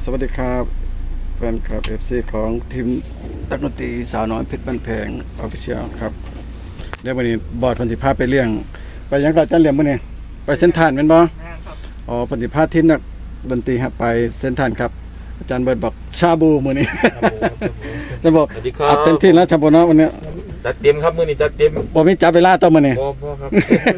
สวัสดีครับแฟนคลับ FC ของทีมนักดนตรีสาวน้อยเพชรบ้านแพงออฟฟิเชียลครับเดี๋ยววันนี้บอร์ดพันธิภาพไปเลี้ยงไปยังเราจะเลี้ยงมื้อนี้ไปเส้นทานเป็นบ่อ๋อพันธิภาพทีมนักดนตรีครับไปเส้นทานครับอาจารย์เบิร์ดบอกชาบูมื้อนี้จะบอกอัดเต็มที่แล้วชาบูเนาะวันนี้จัดเต็มครับมื้อนี้จัดเต็มบ่มีจับเวลาต่อมื้อนี้บ่ครับ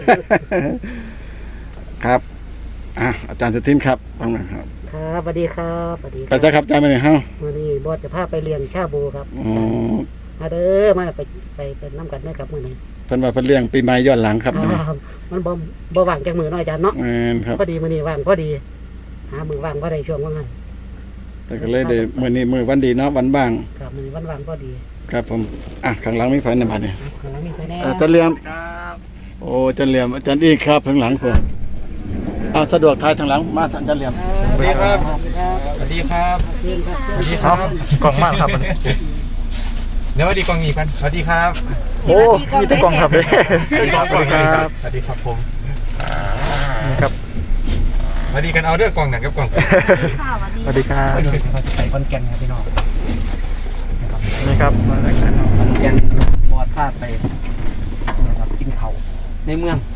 ครับอาจารย์สุทินครับฟังหน่อยครับครับสวัสดีครับสวัสดีไปจ้าครับอาจารย์มื้อนี้เฮามื้อนี้บอสจะพาไปเลี้ยงชาบูครับอ๋อมาเด้อมาไปเป็นน้ำกันนะครับมื้อนี้เพิ่นว่าเพิ่นเลี้ยงปีใหม่ย้อนหลังครับมันบ่ว่างจักมื้อน้อยอาจารย์เนาะครับพอดีมื้อนี้ว่างพอดีหามื้อว่างบ่ได้ช่วงว่างั้นแต่ก็เลยได้มื้อนี้มื้อวันดีเนาะวันบ้างครับมื้อนี้วันว่างพอดีครับผมข้างหลังมีไฟในบ้านนี่ข้างหลังมีไฟแน่อาจารย์เหลี่ยมโอ้อาจารย์เหลี่ยมอาจารย์อีกครับข้างหลังผมสะดวกทายทางหลังมาอาจารย์เหลี่ยมสวัสดีครับสวัสดีครับสวัสดีครับกล่องมากครับเดี๋ยวสวัสดีกล่องนี้กันสวัสดีครับโอ้มีแต่กล่องครับเลยสวัสดีครับสวัสดีครับผมครับสวัสดีกันเอาเรื่องกล่องหนังกับกล่องสวัสดีครับไปคอนแก่นครับพี่น้องนี่ครับคอนแก่นบอสพาไปนะครับกินข้าวในเมือง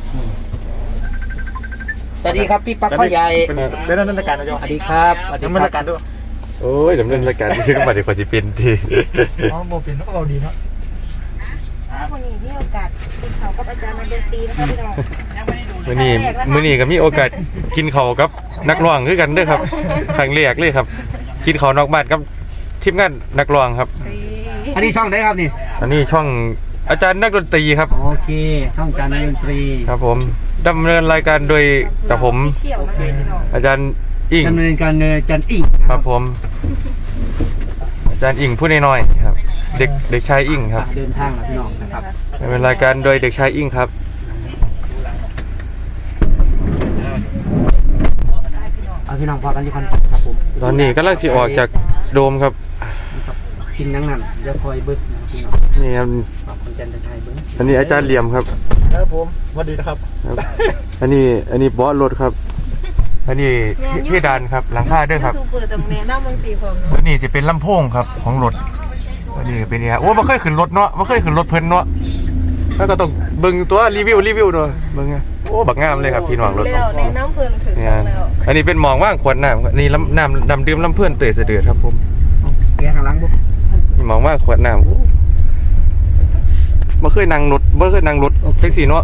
สวัสดีครับพี่ปักข้อใหญ่เป็นดำเนินรายการนะโยสวัสดีครับดำเนินรายการด้วยโอ้ยดำเนินรายการชื่อบัตรดีกว่าจะเป็นทีอ๋อโมเป็นก็เอาดีเนาะวันนี้มีโอกาสกินข้าวกับอาจารย์ดนตรีนะคะพี่น้องมื้อนี้ก็มีโอกาสกินข้าวกับนักร้องคือกันด้วยครับครั้งแรกเลยครับกินข้าวนอกบ้านกับทีมงานนักร้องครับอันนี้ช่องไหนครับนี่อันนี้ช่องอาจารย์นักดนตรีครับโอเคช่องอาจารย์นักดนตรีครับผมดำเนินรายการโดยจากผมอาจารย์อิงดำเนินการโดยอาจารย์อิงครับผมอาจารย์อิงผู้น้อยๆครับเด็กชายอิงครับเดินทางนะพี่น้องนะครับดำเนินรายการโดยเด็กชายอิงครับพี่น้องพอกันที่คอนครับผมตอนนี้กำลังสิออกจากโดมครับกินนั่งนั่นจะคอยเบิ้ลพี่น้องนี่ครับคนจันทร์ไทยเบิ้ลอันนี้อาจารย์เหลี่ยมครับครับผมสวัสดีนะครับอันนี้บอสรถครับอันนี้ที่ดานครับหลังคาด้วยครับอันนี้จะเป็นลำโพงครับของรถอันนี้เป็นเนี่ยโอ้ไม่เคยขึ้นรถเนาะไม่เคยขึ้นรถเพิ่นเนาะแล้วก็ต้องเบิ่งตัวรีวิวด้วยเบิ่งไงโอ้บักงามเลยครับพี่น้องรถในน้ำเพื่อนถึงแล้วอันนี้เป็นหมองว่างขวดน้ำนี่น้ำดื่มลำเพื่อนเตยเสด็จครับผมเกียร์ข้างหลังบุ๊หมองว่างขวดน้ำไม่เคยนั่งรถแท็กซี่เนาะ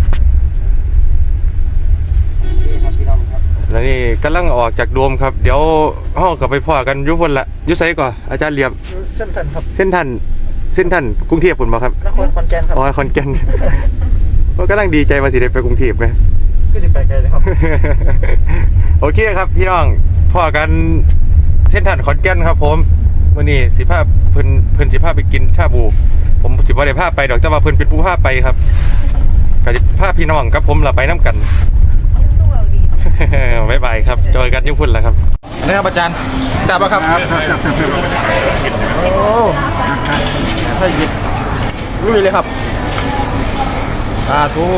แล้วนี่กำลังออกจากโดมครับเดี๋ยวห้องกลับไปพ่อกันยุคนละยุไซก่อนอาจารย์เหลี่ยมเส้นทันครับเส้นทันกรุงเทพฯบ่ครับนครขอนแก่นครับอ๋อขอนแก่นก็กำลังดีใจมาสิได้ไปกรุงเทพไหมก็จะไปไกลเลยครับโอเคครับพี่น้องพ่อกันเส้นทันขอนแก่นครับผมวันนี้สิภาพเพิ่นสิภาพไปกินชาบูผมสิบ่ได้พาไปดอกแต่ว่าเพิ่นเป็นผู้พาไปครับก็สิพาพี่น้องกับผมเราไปน้ำกันบ๊ายบายครับเจอกันยุ่งพุ่นแล้วครับนี่ครับอาจารย์ทราบป่ะครับโอ้ให้หยิบลุยเลยครับทู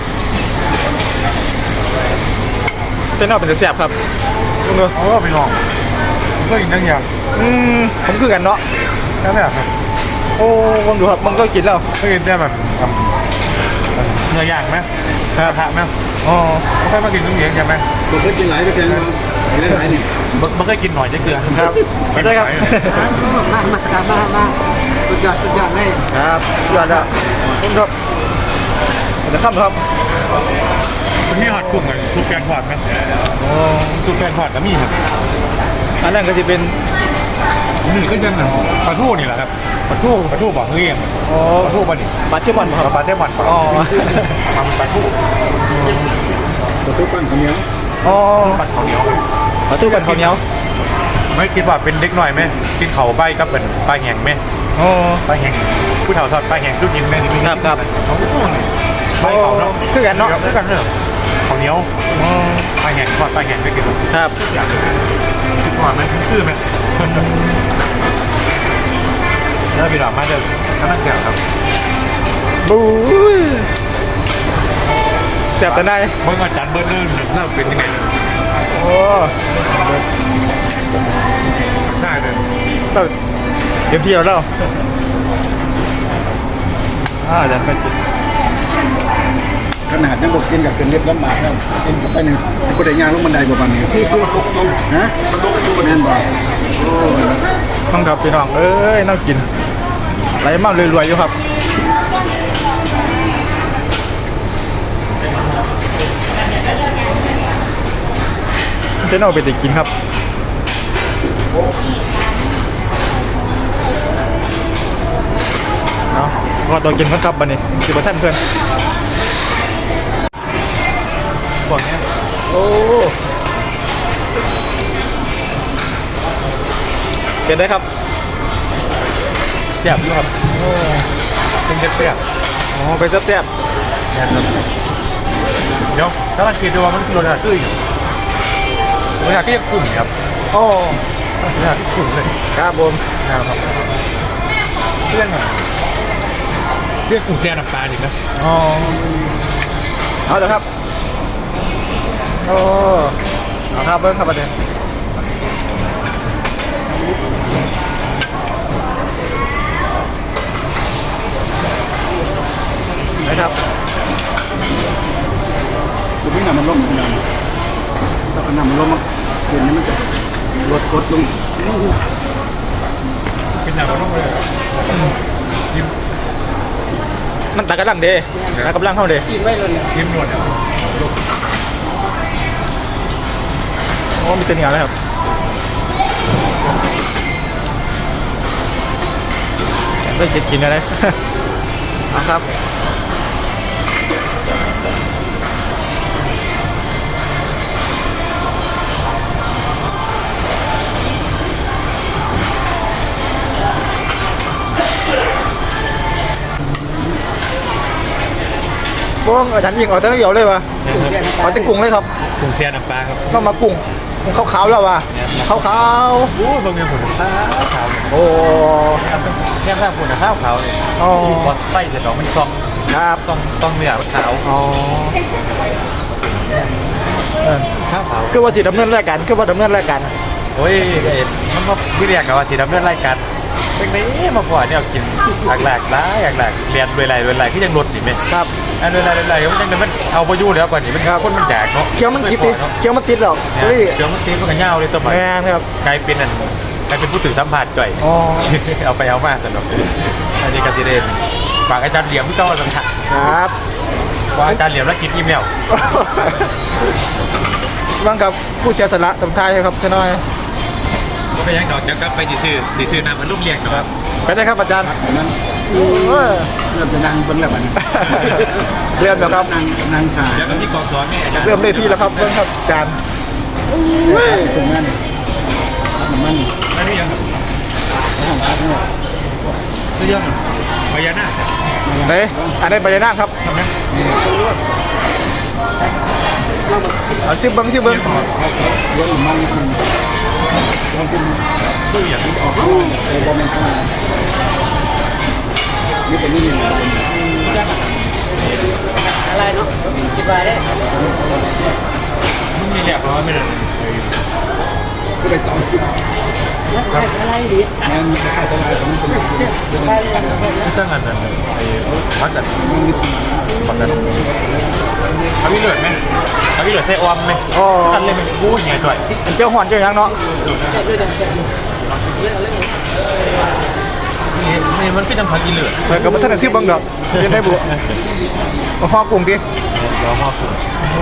เป็นนอกเป็นเสียบครับลุงเนอะโอ้ไปลองก็กินทั้งอย่างผมคือกันเนาะนั่นแหละครับโอ้ผมดูครับมันก็กินแล้วก็กินได้แบบเนื้อย่างไหมกระทะไหมอ๋อไม่ค่อยมากินน้ำเหนียวใช่ไหมผมเคยกินหลายไปแกงเราหลายนี่มันเคยกินหน่อยจะเกลือครับไม่ได้ครับมาสุดยอดเลยครับยอดแล้วคุณครับเดี๋ยวข้ามครับวันนี้หอดกุ้งกันซุปแกงทอดไหมอ๋อซุปแกงทอดก็มีครับอันนั้นก็จะเป็นนี่ก็ยังปลาทูนี่แหละครับปลาทูบอกเงี้ยอ๋อปลาทูป่ะนี่ปลาเชฟบอลปลาเชฟบอลอ๋อปลาทูปั้นข้าวเหนียวอ๋อปั้นข้าวเหนียวปลาทูปั้นข้าวเหนียวไม่คิดว่าเป็นเด็กหน่อยไหมกินเข่าใบกับเป็นปลาแห้งไหมอ๋อปลาแห้งผู้เฒ่าทอดปลาแห้งลูกยิงไหมครับใบเขาเนาะคือกันเนาะคือกันเนอะข้าวเหนียวปลาแห้งทอดปลาแห้งไม่กินครับคิดว่ามันคือไหมแล้วพี่หลามมาเดิมนั่งเสียครับบู๊เสียบแต่ไหนเมื่ออาจารย์เบิร์ดเริ่มเป็นยังไงโอ้ได้เลยเราเตรียมที่แล้วอาจารย์ไปจิตขนาดยังบอกกินกับเป็นเล็บลำบากแล้วกินกับไปหนึ่งจะไปได้ยางลงบันไดกว่าวันนี้นะแม่นบอกโอ้ต้องกับพี่น้องเอ้ยน่ากินไหลมากรวยๆอยู่ครับเจ้าหน้าไปติกินครับเนาะก็ตัวกินกันครับบันนี้สิบท่านเพื่อนพวกนี้โอ้เป็นได้ครับแซ่บอยู่ครับโอ้เป็นแซ่บอ๋อเป็นแซ่บๆนะครับเดี๋ยวถ้าเราคิดดูว่ามันคือรสชาติตื้ออยู่รสชาติที่กลุ่มครับโอ้รสชาติที่กลุ่มเลยครับผมนะครับเพื่อนเรียกกลุ่มแซ่บน้ำปลาดิครับอ๋อเอาเดี๋ยวครับโอ้เอาครับเบิ้งครับประเด็นนะครับคุณพี่นำมันลงเหมือนกันถ้าเอานำมันลงมาเดี๋ยวนี้มันจะลดกดลงเป็นอย่างนั้นเลยมันตากำลังเด้ตากำลังเข้าเด้กินไว้เลยเนี่ยยิ้มหนวดโอ้มีแต่เหนียวเลยครับได้กินอะไรครับพวกอาจารย์ยิงออกจากเหี่ยวเลยวะออกจากกุ้งเลยครับกุ้งเสียน้ำปลาครับก็มากุ้งขาวๆแล้ววะขาวโอ้บางเงี้ยผุนขาวๆโอ้แค่ผุนขาวเลยอ๋อพอไส้เสร็จแล้วมันซองครับเนื้อขาวอ๋อขาวคือว่าสิดำเนินรายการคือว่าดำเนินรายการโอ้ยมันก็พี่เรียกกันว่าที่ดำเนินรายการเป็นนี้มาก่อนเนี่ยกินหลากหลายเรียนรวยไรที่ยังลดอีกไหมครับอันรวยไรมันยังมันเอาไปยู่แล้วก่อนนี่มันคนมันแจกเนาะเคี้ยวมันติดเคี้ยวมันติดหรอกเดี๋ยวมันตีมันก็เงาเลยตัวใหม่แม่ครับกลายเป็นผู้ถือสัมผัสจ่อยอ๋อเอาไปเอามาสนุกอันนี้ก็จะเด่นฝากอาจารย์เหลี่ยมที่เจ้าสังกัดครับว่าอาจารย์เหลี่ยมแล้วกินอีเมลบ้างกับผู้เสียสละตำท้ายครับชน้อยก็ไปยังดอกจะกลับไปซื้อน้ำมันลูกเลี้ยงนะครับไปได้ครับอาจารย์นั้นโอ้ยเริ่มจะนั่งเบิ้งแล้วมันเริ่มแล้วครับนั่งถ่ายแล้วก็ที่กองสอนเนี่ยอาจารย์เริ่มได้ที่แล้วครับเริ่มครับอาจารย์ตรงนั้นมันอันนี้ยังครับห้องพักเนี่ยเรื่องพญานาคไหนอันนี้ใบหน้าครับเอาซิบเบิ้งเยอะมันลองกินตู้อย่างออกข้างเลยบอมเป็นข้างนี่เป็นนี่อะไรเนาะคิดว่าได้มึงมีแหลกร้อนไม่เลยก็ไปต่ออะไรดีงานค่าจะลายของมันเป็นไปเลยที่ตั้งงานนั้นไอ้วัดจัดวัดจัดเขาพี่เหลือไหมเขาพี่เหลือไส้ออมไหมอ๋อกันเลยมันกู้เนี่ยจ่อยเจ้าหอนเจ้ายังเนาะนี่มันคือจังพักกินเหลือเปิดกับท่านซิบเบิ้งดอกยังได้บุห้องกลุ่มดิเรามอบคุณ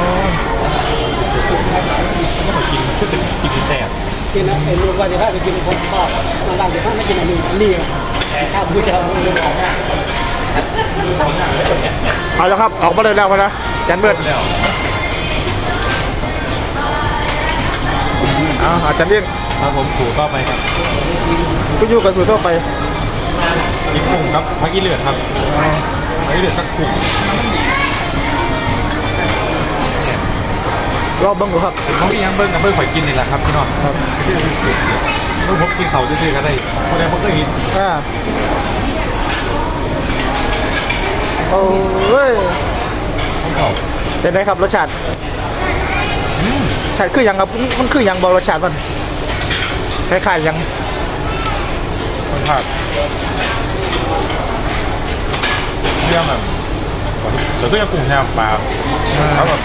ไม่ขอกินก็จะกินแซ่บกินนะไอ้ลูกว่าจะพาไปกินคนทอดบางจะพาไม่กินอันนี้นี่ชาบูชาเรื่องของเอาแล้วครับออกมาเลยแล้วนะอาจารย์เบิร์ดแล้วอาจารย์เลี้ยงครับผมถูก็ไปครับก็อยู่กับสู่ทั่วไปกินกุ้งครับพักกินเหลือครับพักกินเหลือสักกุ้งรอบเบิ้งดูครับเขามียังเบิ้งกับเบิ้งข่อยกินนี่แหละครับพี่น้องครับเบิ้งผมกินเขาซื่อๆกันได้เพราะฉะนั้นผมก็กินโอ้ยของเขาเป็นไงครับรสชาติรสชาติคืออย่างครับมันคืออย่างบอกรสชาติมันคล้ายๆยังคนภาคเรื่องแบบแต่ก็ยังกลุ่มแนวปลาเขาแบบ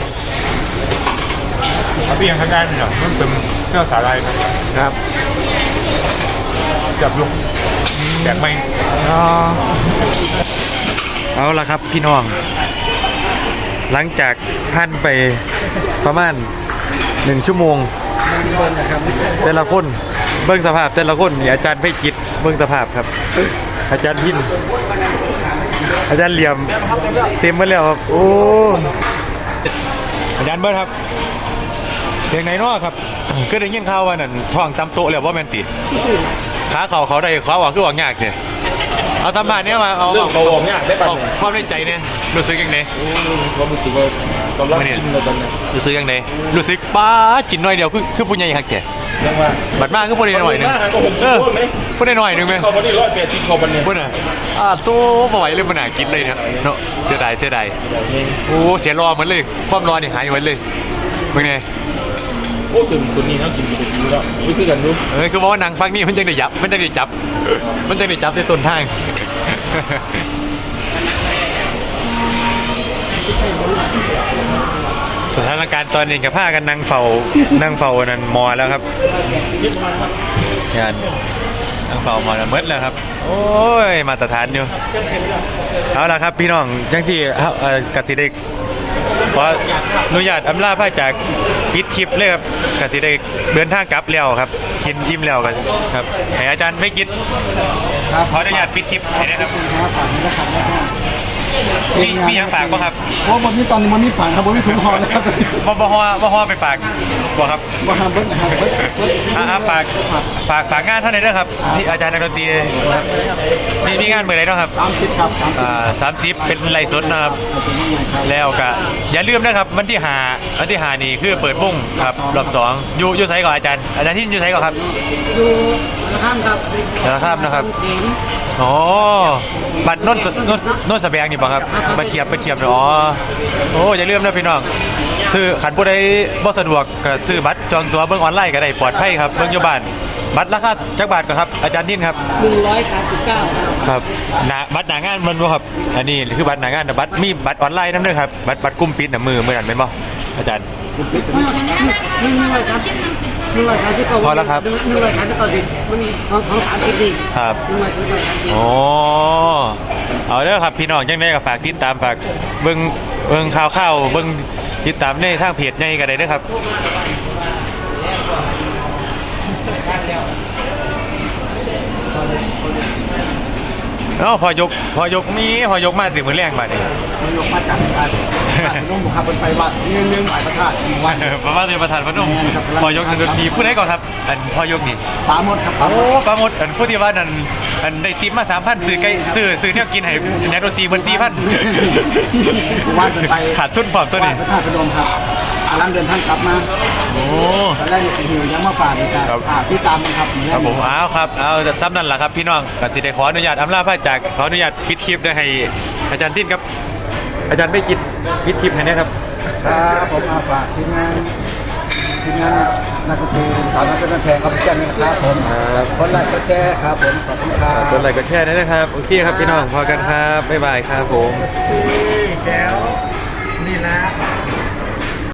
เขาเพียงข้างด้านเนี่ยมันเป็นเครื่องสาลายครับจับลูกแจกไหมเอาละครับพี่น้องหลังจากท่านไปประมาณ1 ชั่วโมงแต่ละคนเบิ้งสภาพแต่ละคนนี่อาจารย์ไม่คิดเบิ้งสภาพครับอาจารย์พินอาจารย์เหลี่ยมเต็มมาแล้วครับโอ้อาจารย์เบิร์ดครับเพียงไหนเนาะครับคือได้ยินข่าวว่านั่นท้องตำโตะแล้วว่าแมนติขาเขาได้ขาว่าคือว่ายากเนี่ยเอาสัมภาษณ์เนี่ยมาเอาเรื่องเขาบอกยากได้ป่ะความในใจเนี่ยรู้สึกยังไงความรู้สึกว่ากำลังกินเราตอนนี้รู้สึกยังไงรู้สึกป้ากินหน่อยเดียวคือผู้ใหญ่หักแก่บัดมากคือผู้ใดหน่อยนึงผู้ใดหน่อยนึงไหมเขาบันนี้180เขาบันนี้ผู้น่ะตัวบ่ไหวเลยมันน่ากินเลยเนี่ยเนาะเสียดายโอ้เสียรอเหมือนเลยความรอนี่หายไปเลยเป็นไงโอ้ส่วนนี้เขากินไปดูแล้วรู้สึกกันรู้คือว่านางฟังนี่มันจังได้ยับมันจังได้จับในต้นทางสถานการณ์ตอนนี้กับผ้ากันนั่งเฝ้านั่นมอแล้วครับงานนั่งเฝ้ามอแล้วมืดแล้วครับโอ้ยมาตรฐานอยู่เอาละครับพี่น้องจังที่กสิเด็กขออนุญาตอำลาพระจากปิดคลิปเลยครับกสิเด็กเดินทางกลับแล้วครับกินอิ่มแล้วกันครับให้อาจารย์ไม่กินขออนุญาตปิดคลิปให้นะครับมีอย่างฝากป่ะครับเพราะวันนี้ตอนนี้มันมีฝากครับวันนี้ถุงห่อแล้วครับบ่ฮอไปฝากบ่ครับบ่ห้ามเบิ้ลนะครับฝากงานเท่าไหร่ด้วยครับที่อาจารย์นักดนตรีครับมีงานเมื่อไรเนาะครับ 30ครับ 30เป็นไลฟ์สดนะครับแล้วก็อย่าลืมนะครับวันที่5นี่คือเปิดวงครับรอบ2อยู่ไสก่อนอาจารย์ที่อยู่ไสก่อนครับอยู่ข้ามครับนะครับอ๋อบัตรโน่นสแบงนี่ป่ะครับบัตรเทียบอ๋อโอ้อย่าลืมนะพี่น้องซื้อขันผู้ใดบ่สะดวกก็ซื้อบัตรจองตัวเบิ่งออนไลน์ก็ได้ปลอดภัยครับเบิ่งอยู่บ้านบัตรราคาจักบาทก็ครับอาจารย์นิ่นครับ 139 ครับบัตรหน้างานมันบ่ครับอันนี้คือบัตรหน้างานแต่บัตรมีบัตรออนไลน์นำด้วยครับบัตรกลุ่มปิดน่ะมือนั้นแม่นบ่อาจารย์พอแล้วครับมันของ30นี่ครับโอ้เอาเด้อครับพี่น้องจังได๋ก็ฝากติดตามฝากเบิ่งข่าวเบิ่งติดตามในทางเพจใหญ่ก็ได้เด้อครับพอยกมาสิมื้อแรงบัดนี้พอยกมาจากนุ่มครับเป็นไปวัดนึงหมายพระธาตุวันประมาณประธานพนมพอยกทางดนตรีผู้ใดก่อนครับอันพอยกนี่ปาหมดครับโอ้ปาหมดอันผู้ที่ว่านั่นอันได้ติปมา 3,000 ซื้อไก่ซื้อแนวกินให้นักดนตรีเพิ่น 4,000 วันเป็นไปขาดทุนพร้อมตัวนี้พระธาตุพนมครับกำลังเดินทางกลับมาโอ้ตอนแรกนี่หิวยังมาฝากอีกครับที่ตามครับครับผมเอาซ้ำนั่นล่ะครับพี่น้องก็สิได้ขออนุญาตอำลาพระจากขออนุญาตปิดคลิปได้ให้อาจารย์ติ้นครับอาจารย์ไม่กินปิดคลิปให้นะครับครับผมฝากทีมงานนักดนตรีสาวน้อยเพชรบ้านแพงครับเช่นนี้นะครับผมกดไลค์กดแชร์ครับผมขอบคุณครับกดไลค์กดแชร์ด้วยนะครับโอเคครับพี่น้องพอกันครับบ๊ายบายครับผม